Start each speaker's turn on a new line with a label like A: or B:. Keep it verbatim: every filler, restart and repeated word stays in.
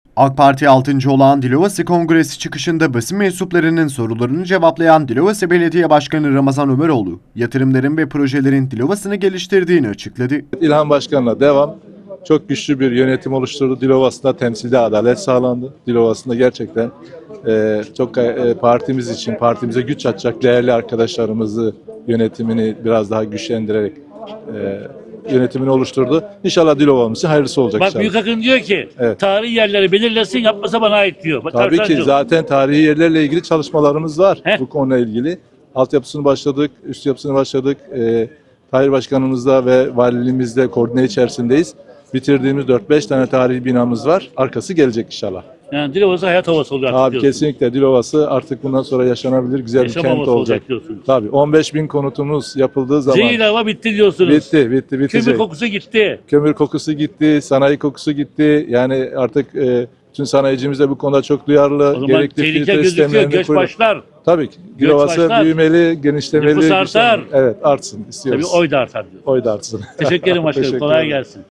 A: AK Parti altıncı olan Dilovası Kongresi çıkışında basın mensuplarının sorularını cevaplayan Dilovası Belediye Başkanı Ramazan Ömeroğlu, yatırımların ve projelerin Dilovası'nı geliştirdiğini açıkladı.
B: İlhan Başkan'la devam. Çok güçlü bir yönetim oluşturdu. Dilovası'nda temsilde adalet sağlandı. Dilovası'nda gerçekten e, çok e, partimiz için, partimize güç atacak değerli arkadaşlarımızı yönetimini biraz daha güçlendirerek e, yönetimini oluşturdu. İnşallah Dilova'mız için hayırlısı olacak.
C: Bak
B: inşallah.
C: Büyükakın diyor ki
B: Evet.
C: tarihi yerleri belirlesin, yapmasa bana ait diyor. Bak,
B: Tabii ki
C: Tarsancığım.
B: zaten tarihi yerlerle ilgili çalışmalarımız var.
C: Heh.
B: Bu konuyla ilgili. Altyapısını başladık, üst yapısını başladık. E, Tahir Başkanımızla ve valiliğimizle koordine içerisindeyiz. Bitirdiğimiz dört beş tane tarihi binamız var. Arkası gelecek inşallah.
C: Yani Dilovası hayat havası oluyor artık
B: Abi
C: diyorsun.
B: kesinlikle Dilovası artık bundan sonra yaşanabilir güzel
C: Yaşam
B: bir kent
C: havası
B: olacak.
C: olacak diyorsun.
B: Tabii on beş bin konutumuz yapıldığı zaman
C: Zehir hava bitti diyorsunuz.
B: bitti, bitti, bitecek.
C: Kömür kokusu gitti.
B: Kömür kokusu gitti, sanayi kokusu gitti. Yani artık e, tüm sanayicimiz de bu konuda çok duyarlı.
C: O zaman
B: Gerekli
C: tehlike
B: filtre
C: gözüküyor,
B: sistemlerini
C: göç
B: kuruyor.
C: başlar.
B: Tabii ki.
C: Göç
B: Dilovası
C: başlar.
B: büyümeli, genişlemeli.
C: Nüfus
B: güçlenmeli.
C: artar.
B: Evet, artsın istiyoruz.
C: Tabii oy da artar diyor.
B: Oy da artsın.
C: Teşekkür ederim başkanım.
B: Teşekkür
C: Kolay
B: ederim.
C: gelsin.